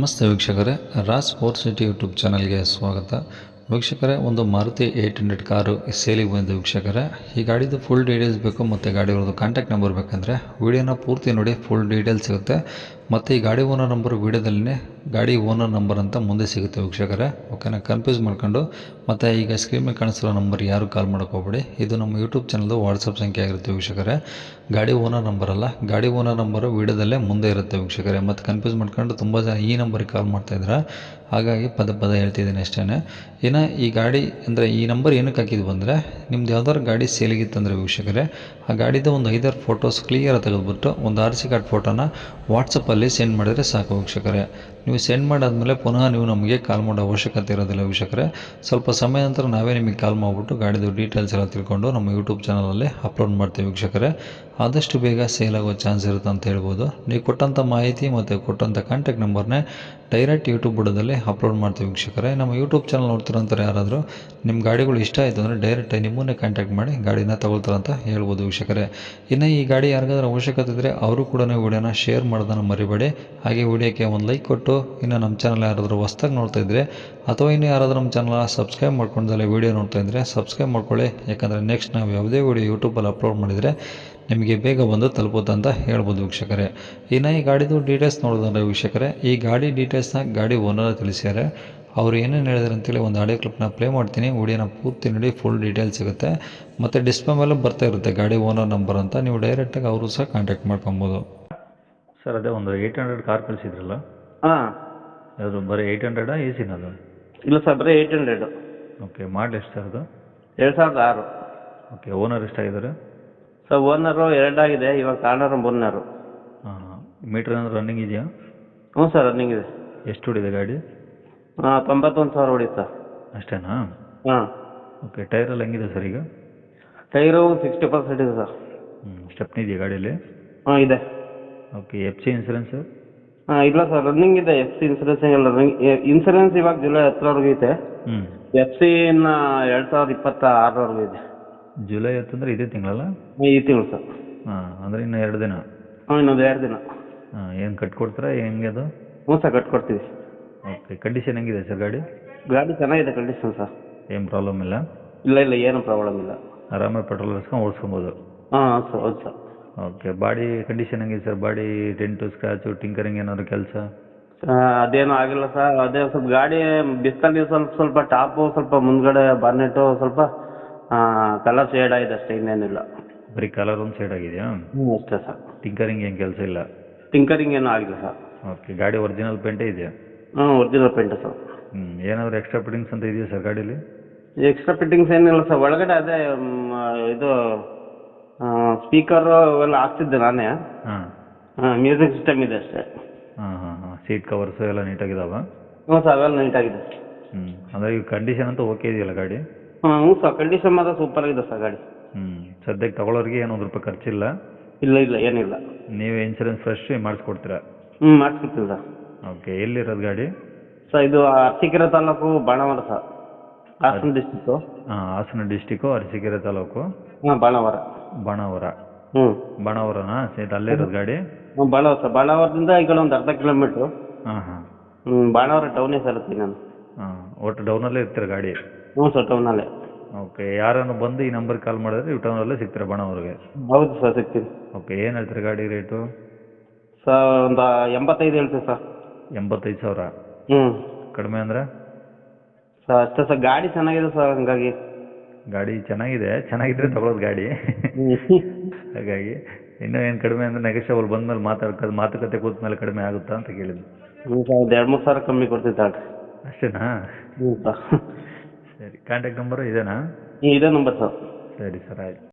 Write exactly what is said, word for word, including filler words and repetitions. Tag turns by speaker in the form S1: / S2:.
S1: ನಮಸ್ತೆ ವೀಕ್ಷಕರೇ, Raas four city YouTube ಚಾನಲ್ಗೆ ಸ್ವಾಗತ. ವೀಕ್ಷಕರೇ, ಒಂದು ಮಾರುತಿ ಏಯ್ಟ್ ಹಂಡ್ರೆಡ್ ಕಾರು ಸೇಲಿಗೆ ಬಂದಿದೆ ವೀಕ್ಷಕರೇ. ಈ ಗಾಡಿದು ಫುಲ್ ಡೀಟೇಲ್ಸ್ ಬೇಕು ಮತ್ತು ಗಾಡಿಯವ್ರದ್ದು ಕಾಂಟ್ಯಾಕ್ಟ್ ನಂಬರ್ ಬೇಕಂದರೆ ವೀಡಿಯೋನ ಪೂರ್ತಿ ನೋಡಿ, ಫುಲ್ ಡೀಟೇಲ್ಸ್ ಸಿಗುತ್ತೆ. ಮತ್ತು ಈ ಗಾಡಿ ಓನರ್ ನಂಬರ್ ವೀಡಿಯೋದಲ್ಲೇ ಗಾಡಿ ಓನರ್ ನಂಬರ್ ಅಂತ ಮುಂದೆ ಸಿಗುತ್ತೆ ವೀಕ್ಷಕರೇ. ಓಕೆನಾ, ಕನ್ಫ್ಯೂಸ್ ಮಾಡ್ಕೊಂಡು ಮತ್ತು ಈಗ ಸ್ಕ್ರೀನ್ ಮೇಲೆ ಕಾಣಿಸಿರೋ ನಂಬರ್ ಯಾರು ಕಾಲ್ ಮಾಡೋಕೆ ಹೋಗ್ಬೇಡಿ. ಇದು ನಮ್ಮ ಯೂಟ್ಯೂಬ್ ಚಾನಲ್ದು ವಾಟ್ಸಪ್ ಸಂಖ್ಯೆ ಆಗಿರುತ್ತೆ ವೀಕ್ಷಕರೇ. ಗಾಡಿ ಓನರ್ ನಂಬರ್ ಅಲ್ಲ, ಗಾಡಿ ಓನರ್ ನಂಬರು ವೀಡಿಯೋದಲ್ಲೇ ಮುಂದೆ ಇರುತ್ತೆ ವೀಕ್ಷಕರೇ. ಮತ್ತು ಕನ್ಫ್ಯೂಸ್ ಮಾಡ್ಕೊಂಡು ತುಂಬ ಜನ ಈ ನಂಬರಿಗೆ ಕಾಲ್ ಮಾಡ್ತಾಯಿದ್ರೆ, ಹಾಗಾಗಿ ಪದೇ ಪದೇ ಹೇಳ್ತಿದ್ದೀನಿ ಅಷ್ಟೇ. ಇನ್ನು ಈ ಗಾಡಿ ಅಂದರೆ ಈ ನಂಬರ್ ಏನಕ್ಕೆ ಹಾಕಿದ್ವು ಅಂದರೆ, ನಿಮ್ದು ಯಾವ್ದಾದ್ರು ಗಾಡಿ ಸೇಲಿಗಿತ್ತಂದರೆ ವೀಕ್ಷಕರೇ, ಆ ಗಾಡಿದು ಒಂದು ಐದಾರು ಫೋಟೋಸ್ ಕ್ಲಿಯರ್ ತೆಗೆದುಬಿಟ್ಟು ಒಂದು ಆರ್ ಸಿ ಕಾರ್ಡ್ ಫೋಟೋನ ವಾಟ್ಸಪ್ಪಲ್ಲಿ ಸೆಂಡ್ ಮಾಡಿದರೆ ಸಾಕು ವೀಕ್ಷಕರೇ. ನೀವು ಸೆಂಡ್ ಮಾಡಾದಮೇಲೆ ಪುನಃ ನೀವು ನಮಗೆ ಕಾಲ್ ಮಾಡೋ ಅವಶ್ಯಕತೆ ಇರೋದಿಲ್ಲ ವೀಕ್ಷಕರೇ. ಸ್ವಲ್ಪ ಸಮಯ ನಂತರ ನಾವೇ ನಿಮಗೆ ಕಾಲ್ ಮಾಡಿಬಿಟ್ಟು ಗಾಡಿದು ಡೀಟೇಲ್ಸ್ ಎಲ್ಲ ತಿಳ್ಕೊಂಡು ನಮ್ಮ ಯೂಟ್ಯೂಬ್ ಚಾನಲಲ್ಲಿ ಅಪ್ಲೋಡ್ ಮಾಡ್ತೀವಿ ವೀಕ್ಷಕರೇ. ಆದಷ್ಟು ಬೇಗ ಸೇಲ್ ಆಗೋ ಚಾನ್ಸ್ ಇರುತ್ತೆ ಅಂತ ಹೇಳ್ಬೋದು. ನೀವು ಕೊಟ್ಟಂಥ ಮಾಹಿತಿ ಮತ್ತು ಕೊಟ್ಟಂಥ ಕಾಂಟ್ಯಾಕ್ಟ್ ನಂಬರ್ನೇ ಡೈರೆಕ್ಟ್ ಯೂಟ್ಯೂಬ್ ಬುಡದಲ್ಲಿ ಅಪ್ಲೋಡ್ ಮಾಡ್ತೀವಿ ವೀಕ್ಷಕರೇ. ನಮ್ಮ ಯೂಟ್ಯೂಬ್ ಚಾನಲ್ ನೋಡ್ತಿರೋಂಥವ್ರು ಯಾರಾದರೂ ನಿಮ್ಮ ಗಾಡಿಗಳು ಇಷ್ಟ ಆಯಿತು ಅಂದರೆ ಡೈರೆಕ್ಟಾಗಿ ನಿಮ್ಮನ್ನೇ ಕಾಂಟ್ಯಾಕ್ಟ್ ಮಾಡಿ ಗಾಡಿನ ತಗೊಳ್ತಾರಂತ ಹೇಳ್ಬೋದು ವೀಕ್ಷಕರೇ. ಇನ್ನು ಈ ಗಾಡಿ ಯಾರಿಗಾದ್ರೂ ಅವಶ್ಯಕತೆ ಇದ್ದರೆ ಅವರು ಕೂಡ ವೀಡಿಯೋನ ಶೇರ್ ಮಾಡೋದನ್ನು ಮರಿಬೇಡಿ. ಹಾಗೆ ವೀಡಿಯೋಕ್ಕೆ ಒಂದು ಲೈಕ್ ಕೊಟ್ಟು, ಇನ್ನು ನಮ್ಮ ಚಾನಲ್ ಯಾರಾದರೂ ಹೊಸ್ದಾಗಿ ನೋಡ್ತಾ ಇದ್ದರೆ ಅಥವಾ ಇನ್ನು ಯಾರಾದರೂ ನಮ್ಮ ಚಾನಲ್ ಸಬ್ಸ್ಕ್ರೈಬ್ ಮಾಡ್ಕೊಂಡಲ್ಲೇ ವೀಡಿಯೋ ನೋಡ್ತಾ ಇದ್ದರೆ ಸಬ್ಸ್ಕ್ರೈಬ್ ಮಾಡ್ಕೊಳ್ಳಿ. ಯಾಕಂದರೆ ನೆಕ್ಸ್ಟ್ ನಾವು ಯಾವುದೇ ವೀಡಿಯೋ ಯೂಟ್ಯೂಬಲ್ಲಿ ಅಪ್ಲೋಡ್ ಮಾಡಿದರೆ ನಿಮಗೆ ಬೇಗ ಬಂದು ತಲುಪುತ್ತೆ ಅಂತ ಹೇಳ್ಬೋದು ವೀಕ್ಷಕರೇ. ಇನ್ನು ಈ ಗಾಡಿದು ಡೀಟೇಲ್ಸ್ ನೋಡೋದಂದ್ರೆ ವೀಕ್ಷಕರೇ, ಈ ಗಾಡಿ ಡೀಟೇಲ್ಸ್ನ ಗಾಡಿ ಓನರ್ ತಿಳಿಸ್ಯಾರೆ. ಅವರು ಏನೇನು ಹೇಳಿದ್ರು ಅಂತೇಳಿ ಒಂದು ಆಡಿಯೋ ಕ್ಲಿಪ್ನ ಪ್ಲೇ ಮಾಡ್ತೀನಿ. ವಿಡಿಯೋನ ಪೂರ್ತಿ ನೋಡಿ, ಫುಲ್ ಡೀಟೇಲ್ಸ್ ಸಿಗುತ್ತೆ. ಮತ್ತು ಡಿಸ್ಪ್ಲೇ ಮೇಲೆ ಬರ್ತಾ ಇರುತ್ತೆ ಗಾಡಿ ಓನರ್ ನಂಬರ್ ಅಂತ, ನೀವು ಡೈರೆಕ್ಟಾಗಿ ಅವರು ಸಹ ಕಾಂಟ್ಯಾಕ್ಟ್ ಮಾಡ್ಕೊಬೋದು. ಸರ್, ಅದೇ ಒಂದು ಏಯ್ಟ್ ಹಂಡ್ರೆಡ್ ಕಾರ್ ಕಳಿಸಿದ್ರಲ್ಲ,
S2: ಹಾಂ,
S1: ಅದು ಬರೀ ಏಯ್ಟ್ ಹಂಡ್ರೆಡಾ ಎ ಸಿನದು?
S2: ಇಲ್ಲ ಸರ್, ಬರೀ ಏಯ್ಟ್ ಹಂಡ್ರೆಡು.
S1: ಓಕೆ, ಮಾಡಲ್ ಎಷ್ಟು ಸರ್ ಅದು?
S2: ಎರಡು ಸಾವಿರದ ಆರು.
S1: ಓಕೆ, ಓನರ್ ಎಷ್ಟಾಗಿದ್ದಾರೆ
S2: ಸರ್? ಓನರು ಎರಡಾಗಿದೆ, ಇವಾಗ ಕಾರ್ನರ್ ಓನರು.
S1: ಹಾಂ ಹಾಂ, ಮೀಟ್ರ್ ಏನಾದ್ರು ರನ್ನಿಂಗ್ ಇದೆಯಾ?
S2: ಹ್ಞೂ ಸರ್, ರನ್ನಿಂಗ್ ಇದೆ.
S1: ಎಷ್ಟು ಹೊಡಿದೆ ಗಾಡಿ?
S2: ಹಾಂ, ತೊಂಬತ್ತೊಂದು ಸಾವಿರ ಹೊಡಿ ಸರ್.
S1: ಅಷ್ಟೇನಾ?
S2: ಹಾಂ.
S1: ಓಕೆ, ಟೈರೆಲ್ಲ ಹೆಂಗಿದೆ ಸರ್ ಈಗ?
S2: ಟೈರು ಸಿಕ್ಸ್ಟಿ ಪರ್ಸೆಂಟ್ ಇದೆ ಸರ್.
S1: ಹ್ಞೂ, ಸ್ಟೆಪ್ನಿ ಇದೆಯಾ ಗಾಡೀಲಿ?
S2: ಹಾಂ, ಇದೆ.
S1: Okay, F C insurance?
S2: ಹಾಂ, ಇಲ್ಲ ಸರ್, ರನ್ನಿಂಗ್ ಇದೆ. ಎಫ್ ಸಿ ಇನ್ಸೂರೆನ್ಸ್ ಏನಿಲ್ಲ, ರನ್ನಿಂಗ್ ಇನ್ಸೂರೆನ್ಸ್ ಇವಾಗ ಜುಲೈ ಹತ್ತರವರೆಗೂ ಇದೆ.
S1: ಹ್ಞೂ.
S2: ಎಫ್ ಸಿ ಇನ್ನು ಎರಡು ಸಾವಿರದ ಇಪ್ಪತ್ತ ಆರರವರೆಗೂ ಇದೆ.
S1: ಜುಲೈ ಹತ್ತಂದ್ರೆ ಇದೇ ತಿಂಗಳಲ್ಲ?
S2: ಈ ತಿಂಗಳು ಸರ್.
S1: ಹಾಂ, ಅಂದರೆ ಇನ್ನು ಎರಡು ದಿನ?
S2: ಹಾಂ, ಇನ್ನೊಂದು ಎರಡು ದಿನ.
S1: ಹಾಂ, ಏನು ಕಟ್ಕೊಡ್ತೀರಾ ಹೆಂಗೆ ಅದು?
S2: ಹ್ಞೂ ಸರ್, ಕಟ್ಕೊಡ್ತೀವಿ.
S1: ಓಕೆ, ಕಂಡೀಷನ್ ಹೆಂಗಿದೆ ಸರ್ ಗಾಡಿ?
S2: ಗಾಡಿ ಚೆನ್ನಾಗಿದೆ ಕಂಡೀಷನ್ ಸರ್.
S1: ಏನು ಪ್ರಾಬ್ಲಮ್ ಇಲ್ಲ?
S2: ಇಲ್ಲ ಇಲ್ಲ, ಏನು ಪ್ರಾಬ್ಲಮ್ ಇಲ್ಲ.
S1: ಆರಾಮಾಗಿ ಪೆಟ್ರೋಲ್ ಹಾಕ್ಸ್ಕೊಂಡು ಓಡಿಸ್ಕೊಬೋದು?
S2: ಹಾಂ ಸರ್, ಹೌದು ಸರ್.
S1: ಓಕೆ, ಬಾಡಿ ಕಂಡೀಷನ್ ಹೆಂಗಿದೆ sir? Body dent, scratch, tinkering ಏನಾದ್ರು ಕೆಲಸ?
S2: ಅದೇನೂ ಆಗಿಲ್ಲ ಸರ್. ಅದೇ ಸ್ವಲ್ಪ ಗಾಡಿ ಬಿಸ್ತಲ್ಲಿ ಸ್ವಲ್ಪ ಸ್ವಲ್ಪ ಟಾಪು, ಸ್ವಲ್ಪ ಮುಂದ್ಗಡೆ ಬಾರ್ನೆಟು ಸ್ವಲ್ಪ ಕಲರ್ ಶೇಡ್ ಆಗಿದೆ ಅಷ್ಟೇ, ಇನ್ನೇನಿಲ್ಲ.
S1: ಬರೀ ಕಲರ್ ಒಂದು ಸೈಡ್ ಆಗಿದೆಯಾ?
S2: ಹ್ಞೂ, ಅಷ್ಟೇ ಸರ್.
S1: ಟಿಂಕರಿಂಗ್ ಏನು ಕೆಲಸ ಇಲ್ಲ?
S2: ಟಿಂಕರಿಂಗ್ ಏನೂ ಆಗಿಲ್ಲ ಸರ್.
S1: ಓಕೆ, ಗಾಡಿ ಒರಿಜಿನಲ್ ಪೇಂಟೇ ಇದೆಯಾ?
S2: ಹ್ಞೂ, ಒರಿಜಿನಲ್ ಪೇಂಟ್ ಸರ್.
S1: ಹ್ಞೂ, ಏನಾದರೂ ಎಕ್ಸ್ಟ್ರಾ ಫಿಟ್ಟಿಂಗ್ಸ್ ಅಂತ ಇದೆಯಾ ಸರ್ ಗಾಡೀಲಿ?
S2: ಎಕ್ಸ್ಟ್ರಾ ಫಿಟ್ಟಿಂಗ್ಸ್ ಏನಿಲ್ಲ ಸರ್. ಒಳಗಡೆ ಅದೇ ಮ್, ಇದು ಸ್ಪೀಕರು ಅವೆಲ್ಲ ಹಾಕ್ಸಿದ್ದೆ ನಾನೇ.
S1: ಹಾಂ
S2: ಹಾಂ, ಮ್ಯೂಸಿಕ್ ಸಿಸ್ಟಮ್ ಇದೆ ಅಷ್ಟೇ.
S1: ಹಾಂ ಹಾಂ ಹಾಂ, ಸೀಟ್ ಕವರ್ಸು ಎಲ್ಲ ನೀಟಾಗಿದ್ದಾವೆ?
S2: ಹ್ಞೂ ಸರ್, ಅವೆಲ್ಲ ನೀಟಾಗಿದೆ.
S1: ಹ್ಞೂ, ಅಂದರೆ ಈಗ ಕಂಡೀಷನ್ ಅಂತೂ ಓಕೆ ಇದೆಯಲ್ಲ ಗಾಡಿ?
S2: ಹಾಂ, ಹ್ಞೂ ಸರ್, ಕಂಡೀಷನ್ ಮಾತ್ರ ಸೂಪರ್ ಆಗಿದೆ ಸರ್ ಗಾಡಿ.
S1: ಹ್ಞೂ, ಸದ್ಯಕ್ಕೆ ತಗೊಳ್ಳೋರಿಗೆ ಏನು ಒಂದು ರೂಪಾಯಿ ಖರ್ಚಿಲ್ಲ?
S2: ಇಲ್ಲ ಇಲ್ಲ, ಏನಿಲ್ಲ.
S1: ನೀವೇ ಇನ್ಸೂರೆನ್ಸ್ ಫ್ರೆಶ್ ಮಾಡಿಸ್ಕೊಡ್ತೀರಾ?
S2: ಹ್ಞೂ, ಮಾಡಿಸ್ಕೊಡ್ತೀನಿ ಸರ್.
S1: ಓಕೆ, ಎಲ್ಲಿರೋದು ಗಾಡಿ?
S2: ಸರ್, ಇದು ಅರಸೀಕೆರೆ ತಾಲೂಕು, ಬಾಣಾವರ ಸರ್, ಹಾಸನ ಡಿಸ್ಟಿಕ್ಕು.
S1: ಹಾಂ, ಹಾಸನ ಡಿಸ್ಟಿಕ್ಕು, ಅರಸೀಕೆರೆ ತಾಲೂಕು.
S2: ಹಾಂ, ಬಾಣಾವರ.
S1: ಬಾಣಾವರ?
S2: ಹ್ಞೂ,
S1: ಬಾಣಾವರನಾ ಸಹಿತ ಅಲ್ಲೇ ಇರೋದು ಗಾಡಿ?
S2: ಹ್ಞೂ, ಬಾಣಾವರ ಸರ್. ಬಾಣಾವರದಿಂದ ಈ ಕಡೆ ಒಂದು ಅರ್ಧ ಕಿಲೋಮೀಟ್ರು.
S1: ಹಾಂ ಹಾಂ.
S2: ಹ್ಞೂ, ಬಾಣಾವರ ಟೌನೇ ಸರ್ ಇರ್ತೀನಿ ನಾನು.
S1: ಹಾಂ, ಒಟ್ಟು ಡೌನಲ್ಲೇ ಇರ್ತೀರ ಗಾಡಿ?
S2: ಹ್ಞೂ ಸರ್, ಟೌನಲ್ಲೇ.
S1: ಓಕೆ, ಯಾರನ್ನು ಬಂದು ಈ ನಂಬರ್ಗೆ ಕಾಲ್ ಮಾಡಿದ್ರೆ ನೀವು ಟೌನಲ್ಲೇ ಸಿಗ್ತೀರಾ ಬಾಣಾವರಿಗೆ?
S2: ಹೌದು ಸರ್, ಸಿಗ್ತೀನಿ.
S1: ಓಕೆ, ಏನು ಹೇಳ್ತೀರಾ ಗಾಡಿ ರೇಟು?
S2: ಸರ್, ಒಂದು ಎಂಬತ್ತೈದು ಹೇಳ್ತೀವಿ ಸರ್.
S1: ಎಂಬತ್ತೈದು ಸಾವಿರ?
S2: ಹ್ಞೂ.
S1: ಕಡಿಮೆ ಅಂದರೆ?
S2: ಸರ್, ಅಷ್ಟೇ ಸರ್, ಗಾಡಿ ಚೆನ್ನಾಗಿದೆ ಸರ್, ಹಂಗಾಗಿ.
S1: ಗಾಡಿ ಚೆನ್ನಾಗಿದೆ, ಚೆನ್ನಾಗಿದ್ರೆ ತಗೊಳ್ಳೋದು ಗಾಡಿ. ಹಾಗಾಗಿ ಇನ್ನೂ ಏನು ಕಡಿಮೆ ಅಂದರೆ ನೆಗೋಷಿಯಬಲ್ ಬಂದಮೇಲೆ ಮಾತಾಡ್ಕೋದು, ಮಾತುಕತೆ ಕೂತ್ಮೇಲೆ ಕಡಿಮೆ ಆಗುತ್ತಾ ಅಂತ ಕೇಳಿದ್ದು.
S2: ಹ್ಞೂ ಸರ್, ಒಂದು ಎರಡು ಮೂರು ಸಾವಿರ ಕಮ್ಮಿ ಕೊಡ್ತೀವಿ ತಗೊಳ್ರಿ.
S1: ಅಷ್ಟೇನಾ?
S2: ಹ್ಞೂ ಸರ್.
S1: ಸರಿ, ಕಾಂಟ್ಯಾಕ್ಟ್ ನಂಬರು ಇದೇನಾ?
S2: ಹ್ಞೂ, ಇದೇ ನಂಬರ್ ಸರ್.
S1: ಸರಿ ಸರ್, ಆಯ್ತು.